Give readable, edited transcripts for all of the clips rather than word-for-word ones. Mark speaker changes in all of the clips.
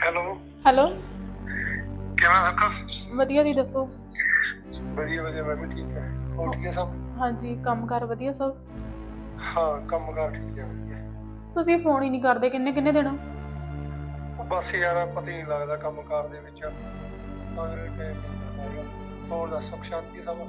Speaker 1: Hello.
Speaker 2: Hello.
Speaker 1: ਕਿਵੇਂ ਰੱਖਾ?
Speaker 2: ਵਧੀਆ ਜੀ, ਦੱਸੋ।
Speaker 1: ਵਧੀਆ ਵਧੀਆ, ਮੈਂ ਵੀ ਠੀਕ ਹੈ। ਹੋਰ ਠੀਕ ਹੈ ਸਭ?
Speaker 2: ਹਾਂਜੀ, ਕੰਮਕਾਰ ਵਧੀਆ ਸਭ।
Speaker 1: ਹਾਂ, ਕੰਮ ਕਾਰ ਠੀਕ ਹੈ, ਵਧੀਆ।
Speaker 2: ਤੁਸੀਂ ਫੋਨ ਹੀ ਨਹੀਂ ਕਰਦੇ ਕਿੰਨੇ ਕਿੰਨੇ ਦਿਨ।
Speaker 1: ਉਹ ਬਸ ਯਾਰ ਪਤਾ ਹੀ ਨਹੀਂ ਲੱਗਦਾ ਕੰਮ ਕਾਰ ਦੇ ਵਿੱਚ, ਤਾਂ ਕਰਕੇ ਟਾਈਮ ਨਹੀਂ ਮਿਲਦਾ ਹੈਗਾ। ਹੋਰ ਦੱਸ, ਸੁੱਖ ਸ਼ਾਂਤੀ ਸਭ?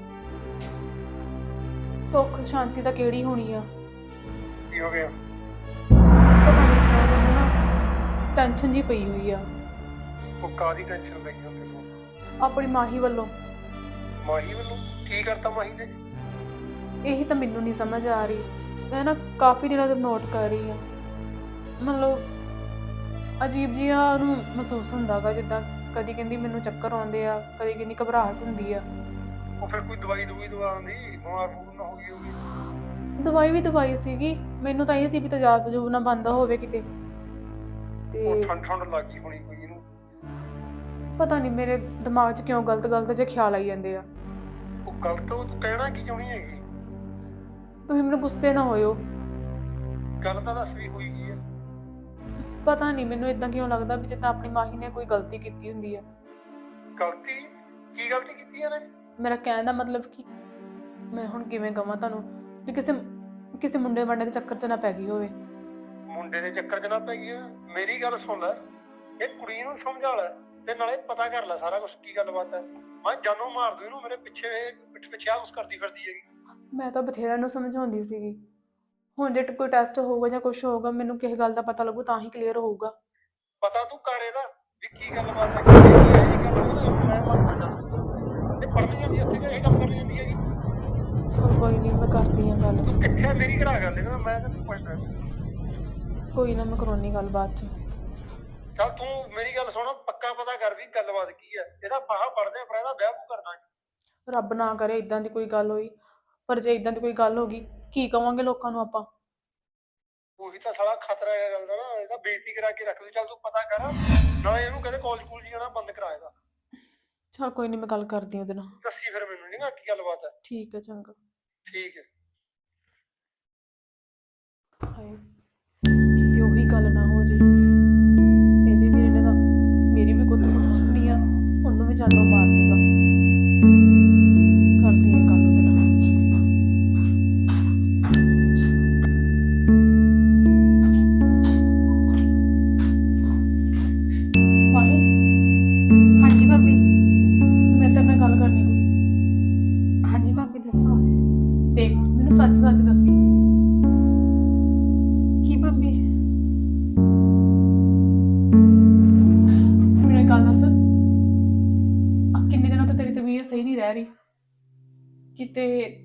Speaker 2: ਸੁੱਖ ਸ਼ਾਂਤੀ ਤਾਂ ਕਿਹੜੀ ਹੋਣੀ ਆ।
Speaker 1: ਕੀ ਹੋ ਗਿਆ?
Speaker 2: ਪਤਾ ਨਹੀਂ ਕਿਉਂ ਮੈਨੂੰ ਨਾ ਟੈਨਸ਼ਨ ਜੀ ਪਈ ਹੋਈ ਆ।
Speaker 1: ਉਹ ਕਾਹਦੀ ਟੈਨਸ਼ਨ ਪਈ ਆ ਤੈਨੂੰ?
Speaker 2: ਆਪਣੀ ਮਾਹੀ ਵੱਲੋਂ।
Speaker 1: ਮਾਹੀ ਵੱਲੋਂ? ਕੀ ਕਰਤਾ ਮਾਹੀ ਨੇ?
Speaker 2: ਇਹੀ ਤਾਂ ਮੈਨੂੰ ਨਹੀਂ ਸਮਝ ਆ ਰਹੀ। ਮੈਂ ਨਾ ਕਾਫੀ ਦਿਨਾਂ ਤੋਂ ਨੋਟ ਕਰ ਰਹੀ ਹਾਂ, ਮਤਲਬ ਅਜੀਬ ਜਿਹਾ ਉਹਨੂੰ ਮਹਿਸੂਸ ਹੁੰਦਾ ਗਾ, ਜਿੱਦਾਂ ਕਦੀ ਕਹਿੰਦੀ ਮੈਨੂੰ ਚੱਕਰ ਆਉਂਦੇ ਆ, ਕਦੀ ਕਹਿੰਦੀ ਘਬਰਾਹਟ ਹੁੰਦੀ ਆ।
Speaker 1: ਉਹ ਫਿਰ ਕੋਈ ਦਵਾਈ ਦਵਾ ਆਉਂਦੀ, ਬਿਮਾਰ ਬਮੂਰ ਨਾ ਹੋ ਗਈ ਹੋਗੀ।
Speaker 2: ਦਵਾਈ ਵੀ ਦਵਾਈ ਸੀਗੀ, ਮੈਨੂੰ ਤਾਂ ਇਹ ਸੀ ਵੀ ਤੇਜ਼ਾਬ ਤਜੂਬ ਨਾ ਬੰਦ ਹੋਵੇ ਕਿਤੇ।
Speaker 1: ਉਹ
Speaker 2: ਤੇ
Speaker 1: ਠੰਡ ਠੰਡ ਲੱਗ ਗਈ ਹੋਣੀ ਕੋਈ ਇਹਨੂੰ।
Speaker 2: ਪਤਾ ਨਹੀਂ ਮੇਰੇ ਦਿਮਾਗ 'ਚ ਕਿਉਂ ਗਲਤ ਗਲਤ ਜਿਹੇ ਖਿਆਲ ਆਈ ਜਾਂਦੇ ਆ।
Speaker 1: ਉਹ ਗਲਤ, ਉਹ ਤੂੰ ਕਹਿਣਾ ਕੀ ਚਾਹੁੰਦੀ ਹੈਗੀ?
Speaker 2: ਤੁਸੀਂ ਮੈਨੂੰ ਗੁੱਸੇ ਨਾ ਹੋਇਓ।
Speaker 1: ਗੱਲ ਤਾਂ ਦੱਸ ਵੀ ਹੋਈ ਕੀ ਹੈ?
Speaker 2: ਪਤਾ ਨਹੀਂ ਮੈਨੂੰ ਇਦਾਂ ਕਿਉਂ ਲੱਗਦਾ ਵੀ ਜਿੱਦਾਂ ਆਪਣੀ ਮਾਹੀ ਨੇ ਕੋਈ ਗਲਤੀ ਕੀਤੀ ਹੁੰਦੀ ਆ।
Speaker 1: ਗਲਤੀ? ਕੀ ਗਲਤੀ ਕੀਤੀ ਇਹਨੇ?
Speaker 2: ਮੇਰਾ ਕਹਿਣ ਦਾ ਮਤਲਬ ਕਿ ਮੈਂ ਹੁਣ ਕਿਵੇਂ ਕਵਾਂ ਤੁਹਾਨੂੰ ਵੀ ਕਿਸੇ ਕਿਸੇ ਮੁੰਡੇ ਵਾਂਡੇ ਦੇ ਚੱਕਰ 'ਚ ਨਾ ਪੈ ਗਈ ਹੋਵੇ।
Speaker 1: ਮੁੰਡੇ ਦੇ ਚੱਕਰ 'ਚ ਨਾ ਪੈ ਗਈ ਹੋਵੇ? ਮੇਰੀ ਗੱਲ ਸੁਣ ਲੈ, ਇਹ ਕੁੜੀ ਨੂੰ ਸਮਝਾ ਲੈ ਤੇ ਨਾਲੇ ਪਤਾ ਕਰ ਲੈ ਸਾਰਾ ਕੁਝ, ਕੀ ਗੱਲਬਾਤ ਹੈ। ਮੈਂ ਜਾਨੋਂ ਮਾਰ ਦੂੰ ਇਹਨੂੰ, ਮੇਰੇ ਪਿੱਛੇ ਪਿੱਠ ਪਿੱਛੇ ਆ ਕੁਛ ਕਰਦੀ ਫਿਰਦੀ ਹੈਗੀ।
Speaker 2: ਮੈਂ ਤਾਂ ਬਥੇਰਾ ਨੂੰ ਸਮਝਾਉਂਦੀ ਸੀਗੀ। ਹੁਣ ਜੇ ਕੋਈ ਟੈਸਟ ਹੋਊਗਾ ਜਾਂ ਕੁਝ ਹੋਊਗਾ, ਮੈਨੂੰ ਕਿਸੇ ਗੱਲ ਦਾ ਪਤਾ ਲੱਗੂ ਤਾਂ ਹੀ ਕਲੀਅਰ ਹੋਊਗਾ।
Speaker 1: ਪਤਾ ਤੂੰ ਕਰ ਇਹਦਾ ਵੀ ਕੀ ਗੱਲਬਾਤ ਹੈ, ਕਿ ਇਹ ਜਿਹੀ ਗੱਲ ਹੋਵੇ ਨਾ ਮੈਂ ਮੰਨ ਲੈਂਦਾ। ਤੇ ਪੜ੍ਹਨ ਜਾਂਦੀ ਉੱਥੇ ਕਿ ਇਹ ਕੰਮ ਕਰਨ ਜਾਂਦੀ ਹੈਗੀ?
Speaker 2: ਚਲ ਕੋਈ ਨਹੀਂ, ਮੈਂ ਕਰਦੀ ਹਾਂ ਗੱਲ।
Speaker 1: ਤੂੰ ਕਿੱਥੇ ਮੇਰੀ ਕਿਹੜਾ ਗੱਲ ਇਹਦੇ ਨਾਲ, ਮੈਂ ਤੈਨੂੰ ਪੁੱਛਦਾ।
Speaker 2: ਕੋਈ ਨਾ, ਮੈਂ ਕਰਾਉਣੀ ਗੱਲ ਬਾਅਦ 'ਚ।
Speaker 1: ਚੱਲ ਤੂੰ ਮੇਰੀ ਗੱਲ ਸੁਣ, ਪੱਕਾ ਪਤਾ ਕਰ ਵੀ ਗੱਲਬਾਤ ਕੀ ਹੈ। ਇਹਦਾ ਫਾਹਾ ਪੜਦੇ ਆ, ਪਰ ਇਹਦਾ ਵਿਆਹ ਤੂੰ ਕਰਨਾ।
Speaker 2: ਰੱਬ ਨਾ ਕਰੇ ਇਦਾਂ ਦੀ ਕੋਈ ਗੱਲ ਹੋਈ, ਪਰ ਜੇ ਇਦਾਂ ਦੀ ਕੋਈ ਗੱਲ ਹੋ ਗਈ ਕੀ ਕਵਾਂਗੇ ਲੋਕਾਂ ਨੂੰ ਆਪਾਂ।
Speaker 1: ਉਹੀ ਤਾਂ ਸਾਲਾ ਖਤਰਾ ਹੈ ਗੱਲ ਦਾ ਨਾ, ਇਹਦਾ ਬੇਇੱਜ਼ਤੀ ਕਰਾ ਕੇ ਰੱਖ ਦੂ। ਚੱਲ ਤੂੰ ਪਤਾ ਕਰ ਨਾ, ਇਹਨੂੰ ਕਹਿੰਦੇ ਕਾਲਜ ਕੂਲਜ ਜਾਣਾ ਬੰਦ ਕਰਾ ਇਹਦਾ।
Speaker 2: ਚਲ ਕੋਈ ਨਹੀਂ, ਮੈਂ ਗੱਲ ਕਰਦੀ ਉਹਦੇ ਨਾਲ।
Speaker 1: ਦੱਸੀ ਫਿਰ ਮੈਨੂੰ ਨੀ ਕੀ ਗੱਲਬਾਤ ਹੈ।
Speaker 2: ਠੀਕ ਹੈ, ਚੰਗਾ।
Speaker 1: ਠੀਕ ਹੈ।
Speaker 2: ਹਾਏ, ਕਿਤੇ ਉਹੀ ਗੱਲ ਨਾ ਹੋ ਜੇ। ਇਹਦੇ ਵੀਰੇ ਨੇ ਤਾਂ ਮੇਰੀ ਵੀ ਕੁੱਤ ਸੁਣੀ ਆ, ਉਹਨੂੰ ਵੀ ਜਾਨੋਂ ਮਾਰ ਦੂਗਾ। ਕਰਦੀ ਹਾਂ ਗੱਲ ਉਹਦੇ ਨਾਲ। ਮਾਹੀ,
Speaker 3: ਹਾਂਜੀ ਭਾਬੀ।
Speaker 2: ਮੈਂ ਤੇਰੇ ਨਾਲ ਗੱਲ ਕਰਨੀ ਕੋਈ।
Speaker 3: ਹਾਂਜੀ ਭਾਬੀ, ਦੱਸੋ।
Speaker 2: ਦੇਖ, ਮੈਨੂੰ ਸੱਚ ਸੱਚ ਦੱਸੀ।
Speaker 3: ਕੀ ਭਾਬੀ?
Speaker 2: ਮੈਨੂੰ ਇੱਕ ਗੱਲ ਦੱਸ, ਆਹ ਕਿੰਨੇ ਦਿਨਾਂ ਤੋਂ ਤੇਰੀ ਤਬੀਅਤ ਸਹੀ ਨਹੀਂ ਰਹਿ ਰਹੀ। ਕਿਤੇ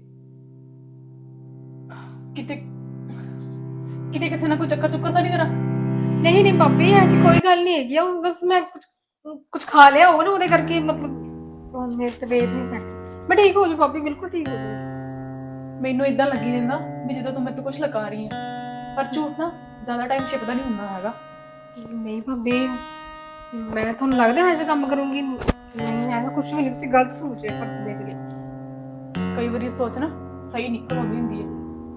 Speaker 2: ਕਿਤੇ ਕਿਤੇ ਕਿਸੇ ਨਾਲ ਕੋਈ ਚੱਕਰ ਚੁੱਕਰ ਤਾਂ ਨਹੀਂ ਤੇਰਾ?
Speaker 3: ਨਹੀਂ ਨਹੀਂ ਭਾਬੀ, ਅੱਜ ਕੋਈ ਗੱਲ ਨਹੀਂ ਹੈਗੀ। ਉਹ ਬਸ ਮੈਂ ਕੁਝ ਖਾ ਲਿਆ ਹੋਊ ਨਾ, ਉਹਦੇ ਕਰਕੇ ਮਤਲਬ ਹੁਣ ਮੇਰੀ ਤਬੀਅਤ ਨਹੀਂ ਸੈੱਟ। ਮੈਂ ਠੀਕ ਹੋ ਜੂ ਭਾਬੀ, ਬਿਲਕੁਲ ਠੀਕ ਹੋ ਜੂ।
Speaker 2: ਮੈਨੂੰ ਇਦਾਂ ਲੱਗੀ ਜਾਂਦਾ ਵੀ ਜਦੋਂ ਤੂੰ ਮੇਰੇ ਤੋਂ ਕੁਝ ਲਗਾ ਰਹੀ ਹੈ, ਪਰ ਝੂਠ ਨਾ ਜ਼ਿਆਦਾ ਟਾਈਮ ਛਿਪਦਾ ਨਹੀਂ ਹੁੰਦਾ ਹੈਗਾ।
Speaker 3: ਨਹੀਂ ਭਾਬੀ, ਮੈਂ ਤੁਹਾਨੂੰ ਲੱਗਦਾ ਹੈ ਜੇ ਕੰਮ ਕਰੂੰਗੀ? ਨਹੀਂ, ਐਸਾ ਕੁਝ ਵੀ ਨਹੀਂ, ਤੁਸੀਂ ਗਲਤ ਸੋਚ ਰਹੇ ਹੋ ਮੇਰੇ ਲਈ।
Speaker 2: ਕਈ ਵਾਰੀ ਸੋਚ ਨਾ ਸਹੀ ਨਿਕਲ ਆਉਂਦੀ ਹੁੰਦੀ ਹੈ।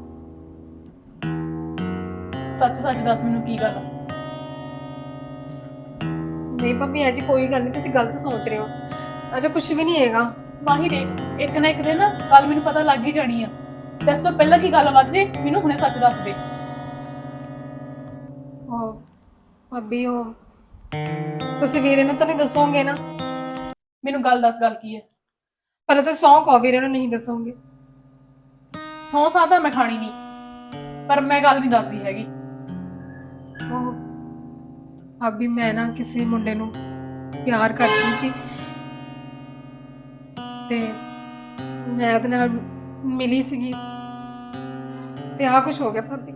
Speaker 2: ਸੱਚ ਸੱਚ ਦੱਸ ਮੈਨੂੰ ਕੀ ਗੱਲ ਆ।
Speaker 3: ਨਹੀਂ ਭਾਬੀ, ਅੱਜ ਕੋਈ ਗੱਲ ਨਹੀਂ, ਤੁਸੀਂ ਗਲਤ ਸੋਚ ਰਹੇ ਹੋ। ਅਜੇ ਕੁਝ ਵੀ ਨਹੀਂ ਹੈਗਾ।
Speaker 2: ਮਾਹੀ ਦੇ ਇੱਕ ਨਾ ਇੱਕ ਦਿਨ ਨਾ ਕੱਲ ਮੈਨੂੰ ਪਤਾ ਲੱਗ ਹੀ ਜਾਣੀ ਆ। ਤੇ ਇਸ ਤੋਂ ਪਹਿਲਾਂ ਕੀ ਗੱਲ ਵੱਧ ਜੇ, ਮੈਨੂੰ ਹੁਣੇ ਸੱਚ ਦੱਸ ਦੇ।
Speaker 3: ਉਹ ਭਾਬੀ, ਉਹ ਤੁਸੀਂ ਵੀਰੇ ਨੂੰ ਤਾਂ ਨਹੀਂ ਦੱਸੋਗੇ ਨਾ?
Speaker 2: ਮੈਨੂੰ ਗੱਲ ਦੱਸ, ਗੱਲ ਕੀ ਹੈ?
Speaker 3: ਪਹਿਲਾਂ ਤਾਂ ਸੌਂ ਖਾਓ, ਵੀਰੇ ਨੂੰ ਨਹੀਂ ਦੱਸੋਗੇ।
Speaker 2: ਸਹੁੰ ਸਾਹ ਤਾਂ ਮੈਂ ਖਾਣੀ ਨਹੀਂ, ਪਰ ਮੈਂ ਗੱਲ ਨਹੀਂ ਦੱਸਦੀ ਹੈਗੀ।
Speaker 3: ਉਹ ਭਾਬੀ, ਮੈਂ ਨਾ ਕਿਸੇ ਮੁੰਡੇ ਨੂੰ ਪਿਆਰ ਕਰਦੀ ਸੀ ਤੇ ਮੈਂ ਉਹਦੇ ਨਾਲ ਮਿਲੀ ਸੀਗੀ ਤੇ ਆਹ ਕੁਝ ਹੋ ਗਿਆ ਭਾਬੀ।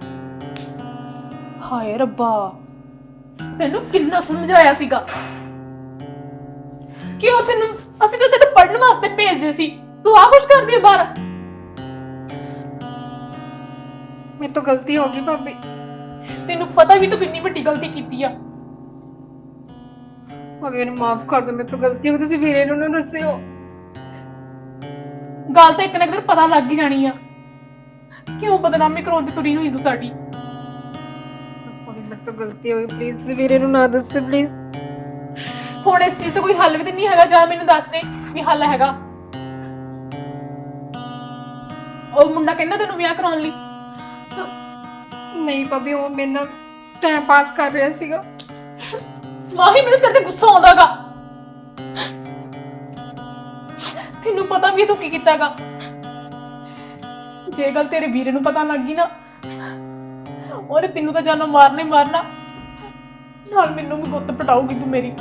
Speaker 2: ਹਾਏ ਰੱਬਾ, ਤੈਨੂੰ ਕਿੰਨਾ ਸਮਝਾਇਆ ਸੀਗਾ। ਕਿਉਂ ਤੈਨੂੰ, ਅਸੀਂ ਤਾਂ ਤੈਨੂੰ ਪੜ੍ਹਨ ਵਾਸਤੇ ਭੇਜਦੇ ਸੀ, ਤੂੰ ਆਹ ਕੁਝ ਕਰਦੀ ਹੈ ਬਾਹਰ।
Speaker 3: ਮੇਰੇ ਤੋਂ ਗਲਤੀ ਹੋ ਗਈ ਭਾਬੀ।
Speaker 2: ਤੈਨੂੰ ਪਤਾ ਵੀ ਤੂੰ ਕਿੰਨੀ ਵੱਡੀ ਗਲਤੀ ਕੀਤੀ ਆ।
Speaker 3: ਭਾਬੀ ਮੈਨੂੰ ਮਾਫ ਕਰ ਦਿਓ, ਮੇਰੇ ਤੋਂ ਗਲਤੀ ਹੋ ਗਈ। ਤੁਸੀਂ ਵੀਰੇ ਨੂੰ ਨਾ ਦੱਸਿਓ।
Speaker 2: ਗੱਲ ਤਾਂ ਇੱਕ ਨਾ ਇੱਕ ਦਿਨ ਪਤਾ ਲੱਗ ਹੀ ਜਾਣੀ ਆ। ਕਿਉਂ ਬਦਨਾਮੀ ਕਰਾਉਣ ਦੀ ਤੁਰੀ ਹੋਈ ਤੂੰ ਸਾਡੀ।
Speaker 3: ਬਸ ਭਾਬੀ, ਮੇਰੇ ਤੋਂ ਗਲਤੀ ਹੋ ਗਈ, ਪਲੀਜ਼ ਤੁਸੀਂ ਵੀਰੇ ਨੂੰ ਨਾ ਦੱਸਿਓ, ਪਲੀਜ਼।
Speaker 2: ਹੁਣ ਇਸ ਚੀਜ਼ ਦਾ ਕੋਈ ਹੱਲ ਵੀ ਤਾਂ ਨਹੀਂ ਹੈਗਾ, ਜਾਂ ਮੈਨੂੰ ਦੱਸ ਦੇ ਵੀ ਹੱਲ ਹੈਗਾ। ਉਹ ਮੁੰਡਾ ਕਹਿੰਦਾ ਤੈਨੂੰ ਵਿਆਹ ਕਰਾਉਣ ਲਈ।
Speaker 3: ਨਹੀਂ ਭਾਬੀ, ਉਹ ਮੇਰੇ ਨਾਲ ਟਾਈਮ ਪਾਸ ਕਰ ਰਿਹਾ ਸੀਗਾ।
Speaker 2: ਮਾਹੀ ਮੈਨੂੰ ਤੇਰੇ ਤੇ ਗੁੱਸਾ ਆਉਂਦਾਗਾ। ਤੈਨੂੰ ਪਤਾ ਵੀ ਤੂੰ ਕੀ ਕੀਤਾਗਾ। ਜੇ ਗੱਲ ਤੇਰੇ ਵੀਰੇ ਨੂੰ ਪਤਾ ਲੱਗ ਗਈ ਨਾ, ਉਹਨੇ ਤੈਨੂੰ ਤਾਂ ਜਾਨੋਂ ਮਾਰਨਾ ਹੀ ਮਾਰਨਾ, ਨਾਲ ਮੈਨੂੰ ਵੀ ਗੁੱਤ ਪਟਾਉਗੀ ਤੂੰ ਮੇਰੀ।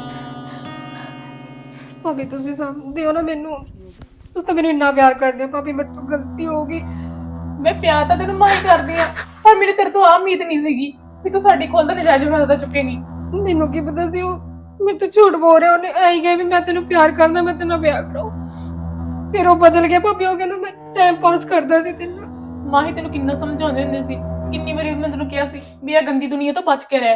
Speaker 3: ਭਾਬੀ ਤੁਸੀਂ ਸਮਝਦੇ ਹੋ ਨਾ ਮੈਨੂੰ, ਤੁਸੀਂ ਤਾਂ ਮੈਨੂੰ ਇੰਨਾ ਪਿਆਰ ਕਰਦੇ ਹੋ ਭਾਬੀ, ਮੇਰੇ ਤੋਂ ਗਲਤੀ ਹੋ ਗਈ।
Speaker 2: ਮੈਂ ਪਿਆਰ ਤਾਂ ਤੈਨੂੰ ਮਾਹੀ ਕਰਦੀ ਆ, ਪਰ ਮੈਨੂੰ ਤੇਰੇ ਤੋਂ ਆਹ ਉਮੀਦ ਨਹੀਂ ਸੀਗੀ ਵੀ ਤੂੰ ਸਾਡੀ ਖੁੱਲ੍ਹ ਦਾ ਨਜਾਇਜ਼ ਫਾਇਦਾ ਚੁੱਕੇਂਗੀ।
Speaker 3: ਮੈਨੂੰ ਕੀ ਪਤਾ ਸੀ ਉਹ ਮੇਰੇ ਤੋਂ ਝੂਠ ਬੋਲ ਰਿਹਾ। ਉਹਨੇ ਐਂ ਕਿਹਾ ਵੀ ਮੈਂ ਤੈਨੂੰ ਪਿਆਰ ਕਰਦਾ, ਮੈਂ ਤੇਰੇ ਨਾਲ ਵਿਆਹ ਕਰਾਉ। ਫਿਰ ਉਹ ਬਦਲ ਗਿਆ ਭਾਬੀ, ਉਹ ਕਹਿੰਦਾ ਮੈਂ ਟਾਈਮ ਪਾਸ ਕਰਦਾ ਸੀ ਤੇਰੇ ਨਾਲ।
Speaker 2: ਮਾਹੀ ਤੈਨੂੰ ਕਿੰਨਾ ਸਮਝਾਉਂਦੇ ਹੁੰਦੇ ਸੀ, ਕਿੰਨੀ ਵਾਰੀ ਮੈਂ ਤੈਨੂੰ ਕਿਹਾ ਸੀ ਵੀ ਇਹ ਗੰਦੀ ਦੁਨੀਆ ਤੋਂ ਬਚ ਕੇ ਰਹਿ।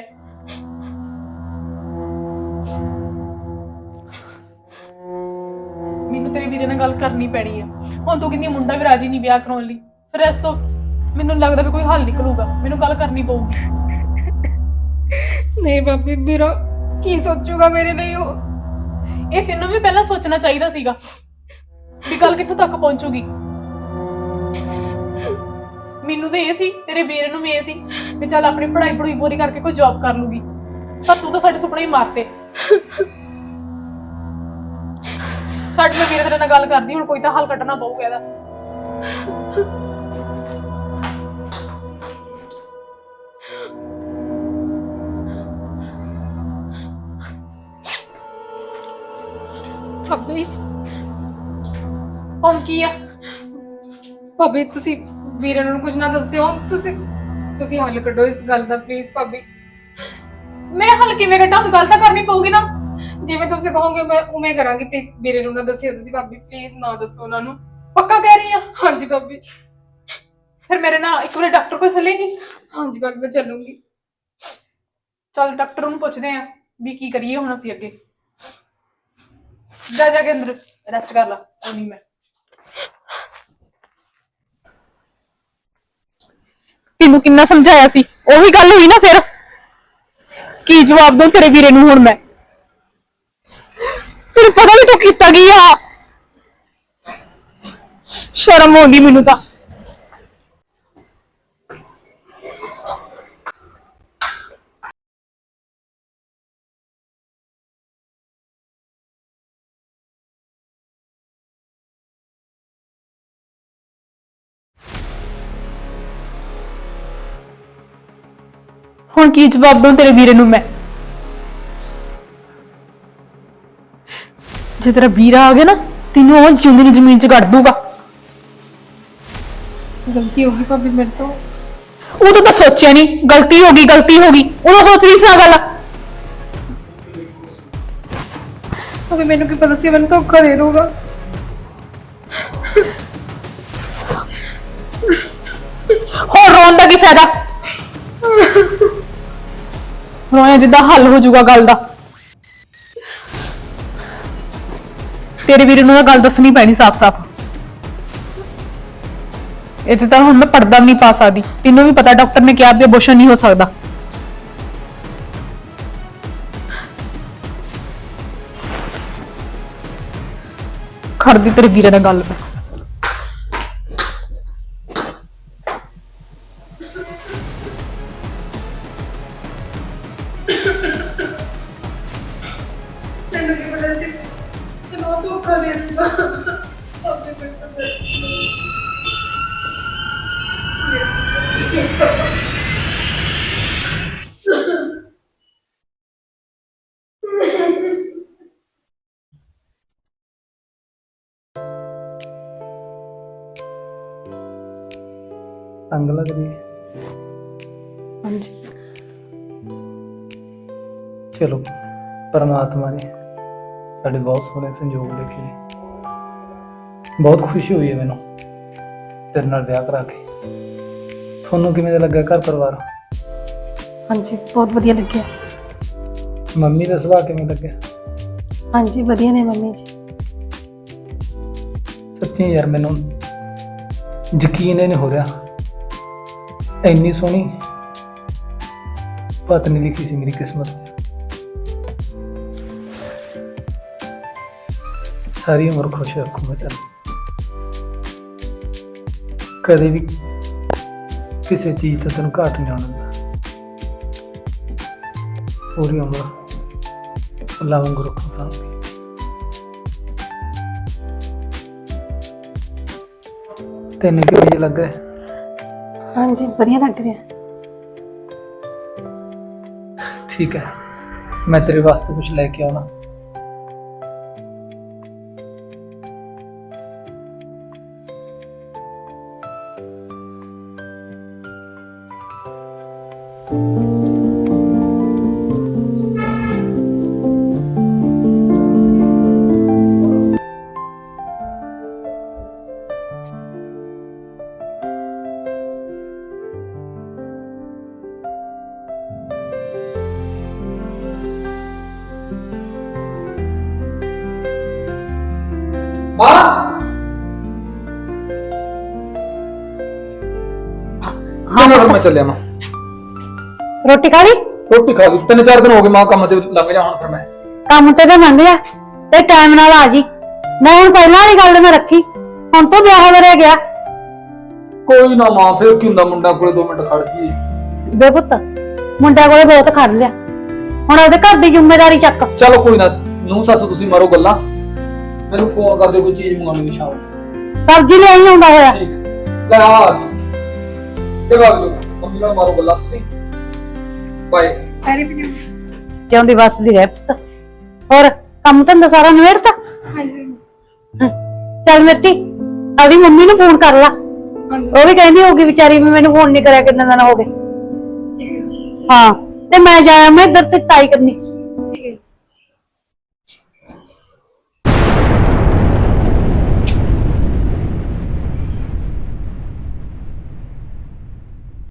Speaker 2: ਮੈਨੂੰ ਤੇਰੇ ਵੀਰੇ ਨਾਲ ਗੱਲ ਕਰਨੀ ਪੈਣੀ ਆ। ਹੁਣ ਤੂੰ ਕਹਿੰਦੀ ਮੁੰਡਾ ਵੀ ਰਾਜੀ ਨਹੀਂ ਵਿਆਹ ਕਰਾਉਣ ਲਈ, ਫਿਰ ਇਸ ਤੋਂ ਮੈਨੂੰ ਲੱਗਦਾ ਵੀ ਕੋਈ ਹੱਲ ਨਿਕਲੂਗਾ। ਮੈਨੂੰ ਗੱਲ ਕਰਨੀ ਪਊਗੀ।
Speaker 3: ਨਹੀਂ ਭਾਬੀ, ਵੀਰਾ ਕੀ ਸੋਚੂਗਾ ਮੇਰੇ ਲਈ? ਉਹ
Speaker 2: ਇਹ ਤੈਨੂੰ ਵੀ ਪਹਿਲਾਂ ਸੋਚਣਾ ਚਾਹੀਦਾ ਸੀਗਾ ਵੀ ਗੱਲ ਕਿੱਥੋਂ ਤੱਕ ਪਹੁੰਚੂਗੀ। ਮੈਨੂੰ ਤਾਂ ਇਹ ਸੀ, ਤੇਰੇ ਵੀਰੇ ਨੂੰ ਵੀ ਇਹ ਸੀ ਵੀ ਚੱਲ ਆਪਣੀ ਪੜ੍ਹਾਈ ਪੂਰੀ ਕਰਕੇ ਕੋਈ ਜੌਬ ਕਰ ਲੂਗੀ, ਪਰ ਤੂੰ ਤਾਂ ਸਾਡੇ ਸੁਪਨੇ ਹੀ ਮਾਰਤੇ। ਛੱਡ, ਮੈਂ ਵੀਰੇ ਤੇਰੇ ਨਾਲ ਗੱਲ ਕਰਦੀ, ਹੁਣ ਕੋਈ ਤਾਂ ਹੱਲ ਕੱਢਣਾ ਪਊਗਾ ਇਹਦਾ।
Speaker 3: ਭਾਬੀ
Speaker 2: ਹੁਣ ਕੀ ਆ?
Speaker 3: ਭਾਬੀ ਤੁਸੀਂ ਵੀਰੇ ਨੂੰ ਕੁਝ ਨਾ ਦੱਸਿਓ। ਤੁਸੀਂ ਹੱਲ ਕੱਢੋ ਇਸ ਗੱਲ ਦਾ ਪਲੀਜ਼ ਭਾਬੀ।
Speaker 2: ਮੈਂ ਹੱਲ ਕਿਵੇਂ ਕੱਢਾਂ? ਹੁਣ ਗੱਲ ਤਾਂ ਕਰਨੀ ਪਊਗੀ ਨਾ।
Speaker 3: ਜਿਵੇਂ ਤੁਸੀਂ ਕਹੋਗੇ ਮੈਂ ਉਵੇਂ ਕਰਾਂਗੀ। ਪਲੀਜ਼ ਵੀਰੇ ਨੂੰ ਨਾ ਦੱਸਿਓ ਤੁਸੀਂ ਭਾਬੀ, ਪਲੀਜ਼ ਨਾ ਦੱਸੋ ਉਹਨਾਂ ਨੂੰ।
Speaker 2: ਪੱਕਾ ਕਹਿ ਰਹੀ ਆ?
Speaker 3: ਹਾਂਜੀ ਭਾਬੀ।
Speaker 2: ਫਿਰ ਮੇਰੇ ਨਾਲ ਇੱਕ ਵਾਰੀ ਡਾਕਟਰ ਕੋਲ ਚੱਲੇਗੀ?
Speaker 3: ਹਾਂਜੀ ਭਾਬੀ, ਮੈਂ ਚੱਲੂੰਗੀ।
Speaker 2: ਚੱਲ ਡਾਕਟਰ ਨੂੰ ਪੁੱਛਦੇ ਆ ਵੀ ਕੀ ਕਰੀਏ ਹੁਣ ਅਸੀਂ ਅੱਗੇ। ਜਾ ਕੇ ਅੰਦਰ ਰੈਸਟ ਕਰ ਲਾ। ਨਹੀਂ ਮੈਂ ਤੈਨੂੰ ਕਿੰਨਾ ਸਮਝਾਇਆ ਸੀ, ਉਹੀ ਗੱਲ ਹੋਈ ਨਾ। ਫਿਰ ਕੀ ਜਵਾਬ ਦਊਂ ਤੇਰੇ ਵੀਰੇ ਨੂੰ ਹੁਣ ਮੈਂ? ਤੈਨੂੰ ਪਤਾ ਵੀ ਤੂੰ ਕੀਤਾ ਕੀ ਆ? ਸ਼ਰਮ ਆਉਂਦੀ ਮੈਨੂੰ ਤਾਂ। ਹੁਣ ਕੀ ਜਵਾਬ ਦਊਂ ਤੇਰੇ ਵੀਰੇ ਨੂੰ ਮੈਂ? ਜੇ ਤੇਰਾ ਵੀਰਾ ਆ ਗਿਆ ਨਾ, ਤੈਨੂੰ ਉਹ ਜਿਉਂਦੀ ਨੂੰ ਜ਼ਮੀਨ 'ਚ ਗੱਡ ਦੂਗਾ।
Speaker 3: ਗਲਤੀ ਹੋ ਗਈ ਭਾਬੀ ਮੇਰੇ ਤੋਂ।
Speaker 2: ਉਦੋਂ ਤਾਂ ਸੋਚਿਆ ਨਹੀਂ, ਗਲਤੀ ਹੋ ਗਈ ਉਦੋਂ ਸੋਚ ਰਹੀ ਸੀ ਆ ਗੱਲ।
Speaker 3: ਭਾਬੀ ਮੈਨੂੰ ਕੀ ਪਤਾ ਸੀ ਮੈਨੂੰ ਧੋਖਾ ਦੇ ਦੂਗਾ।
Speaker 2: ਹੋਰ ਰੋਣ ਦਾ ਕੀ ਫਾਇਦਾ? ਰੋਇਆ ਜਿੱਦਾਂ ਹੱਲ ਹੋ ਜਾਊਗਾ ਗੱਲ ਦਾ। ਤੇਰੇ ਵੀਰੇ ਨੂੰ ਤਾਂ ਗੱਲ ਦੱਸਣੀ ਪੈਣੀ ਸਾਫ਼-ਸਾਫ਼। ਇਹ ਤਾਂ ਹੁਣ ਮੈਂ ਪਰਦਾ ਵੀ ਨਹੀਂ ਪਾ ਸਕਦੀ। ਤੈਨੂੰ ਵੀ ਪਤਾ ਡਾਕਟਰ ਨੇ ਕਿਹਾ ਵੀ ਅਬੋਰਸ਼ਨ ਨਹੀਂ ਹੋ ਸਕਦਾ। ਕਰਦੀ ਤੇਰੇ ਵੀਰੇ ਨਾਲ ਗੱਲ ਮੈਂ।
Speaker 3: ਮੈਨੂੰ ਕੀ ਪਤਾ ਸੀ ਤੈਨੂੰ ਉਹ ਧੋਖਾ ਦੇ ਦੂਗਾ। ਭਾਬੀ ਮੇਰੇ ਤੋਂ ਗਲਤੀ ਹੋ ਗਈ।
Speaker 4: ਤੰਗ ਲੱਗ ਰਹੀ ਹੈ?
Speaker 2: ਹਾਂਜੀ।
Speaker 4: ਚਲੋ, ਪਰਮਾਤਮਾ ਨੇ ਸਾਡੇ ਬਹੁਤ ਸੋਹਣੇ ਸੰਜੋਗ ਲਿਖੇ। ਬਹੁਤ ਖੁਸ਼ੀ ਹੋਈ ਹੈ ਮੈਨੂੰ ਤੇਰੇ ਨਾਲ ਵਿਆਹ ਕਰਾ ਕੇ। ਤੁਹਾਨੂੰ ਕਿਵੇਂ ਦਾ ਲੱਗਾ ਘਰ ਪਰਿਵਾਰ?
Speaker 5: ਹਾਂਜੀ, ਬਹੁਤ ਵਧੀਆ ਲੱਗਿਆ।
Speaker 4: ਮੰਮੀ ਦਾ ਸੁਭਾਅ ਕਿਵੇਂ ਲੱਗਿਆ?
Speaker 5: ਹਾਂਜੀ, ਵਧੀਆ ਨੇ ਮੰਮੀ ਜੀ।
Speaker 4: ਸੱਚੀ ਯਾਰ ਮੈਨੂੰ ਯਕੀਨ ਹੀ ਨਹੀਂ ਹੋ ਰਿਹਾ, ਇੰਨੀ ਸੋਹਣੀ ਪਤਨੀ ਲਿਖੀ ਸੀ ਮੇਰੀ ਕਿਸਮਤ 'ਚ। ਸਾਰੀ ਉਮਰ ਖੁਸ਼ ਰੱਖੂੰਗਾ ਤੈਨੂੰ। ਕਦੇ ਵੀ ਕਿਸੇ ਚੀਜ਼ ਤੋਂ ਤੈਨੂੰ ਘਾਟ ਨਹੀਂ ਆਉਣ ਦਿੰਦਾ। ਪੂਰੀ ਉਮਰ ਅੱਲਾ ਵਾਂਗੂ ਰੱਖੂ ਸਾਂਭ ਕੇ। ਤੈਨੂੰ ਕਿਵੇਂ ਜਿਹਾ ਲੱਗ ਰਿਹਾ?
Speaker 5: ਹਾਂਜੀ ਵਧੀਆ ਲੱਗ ਰਿਹਾ।
Speaker 4: ਠੀਕ ਹੈ, ਮੈਂ ਤੇਰੇ ਵਾਸਤੇ ਕੁਝ ਲੈ ਕੇ ਆਉਣਾ।
Speaker 6: ਹਾਂ ਮੈਂ ਚੱਲਿਆ ਮੈਂ
Speaker 7: ਰੋਟੀ ਖਾ ਲਈ?
Speaker 6: ਰੋਟੀ ਖਾ ਲਈ, 3-4 ਦਿਨ ਹੋ ਗਏ ਮਾਂ ਕੰਮ ਤੇ ਲੱਗ ਜਾ ਹੁਣ। ਫਿਰ ਮੈਂ
Speaker 7: ਕੰਮ ਤੇ ਤਾਂ ਲੰਘ ਗਿਆ ਤੇ ਟਾਈਮ ਨਾਲ ਆ ਜੀ। ਮੈਂ ਹੁਣ ਪਹਿਲਾਂ ਵਾਲੀ ਗੱਲ ਮੈਂ ਰੱਖੀ, ਹੁਣ ਤੋਂ ਵਿਆਹ ਵਰੇ ਗਿਆ।
Speaker 6: ਕੋਈ ਨਾ ਮਾਂ, ਫਿਰ ਕੀ ਹੁੰਦਾ, ਮੁੰਡਾ ਕੋਲੇ 2 ਮਿੰਟ ਖੜ ਜੀ।
Speaker 7: ਬੇ ਪੁੱਤ ਮੁੰਡਿਆਂ ਕੋਲੇ ਬਹੁਤ ਖੜ ਲਿਆ, ਹੁਣ ਉਹਦੇ ਘਰ ਦੀ ਜ਼ਿੰਮੇਵਾਰੀ ਚੱਕ।
Speaker 6: ਚਲੋ ਕੋਈ ਨਾ, ਨੂੰ ਸੱਸ ਤੁਸੀਂ ਮਾਰੋ ਗੱਲਾਂ, ਮੈਨੂੰ ਫੋਨ ਕਰ ਦਿਓ ਕੋਈ ਚੀਜ਼ ਮੰਗਾਉਣੀ ਸ਼ਾਮ ਨੂੰ।
Speaker 7: ਸਬਜ਼ੀ ਲਿਆਈ ਆਉਂਦਾ ਹੋਇਆ।
Speaker 6: ਠੀਕ ਲੈ ਆ ਗਈ ਤੇ ਵਗ ਜਾਓ, ਮੰਮੀ ਨਾਲ ਮਾਰੋ ਗੱਲਾਂ ਤੁਸੀਂ। ਬਾਏ।
Speaker 7: ਜਿਉਂਦੀ ਵੱਸਦੀ ਰਹਿ ਪੁੱਤ। ਹੋਰ ਕੰਮ ਧੰਦਾ ਸਾਰਾ ਨਿਬੇੜਤਾ?
Speaker 3: ਹਾਂਜੀ
Speaker 7: ਚੱਲ ਮਿਰਤੀ ਆਪਣੀ ਮੰਮੀ ਨੂੰ ਫੋਨ ਕਰ ਲਾ, ਉਹ ਵੀ ਕਹਿੰਦੀ ਹੋਊਗੀ ਵਿਚਾਰੀ ਵੀ ਮੈਨੂੰ ਫੋਨ ਨਹੀਂ ਕਰਿਆ ਕਿੰਨੇ ਦਿਨ ਹੋ ਗਏ। ਹਾਂ ਤੇ ਮੈਂ ਜਾਇਆ ਮੈਂ ਇੱਧਰ ਤੇ ਤਾਈ ਕਰਨੀ।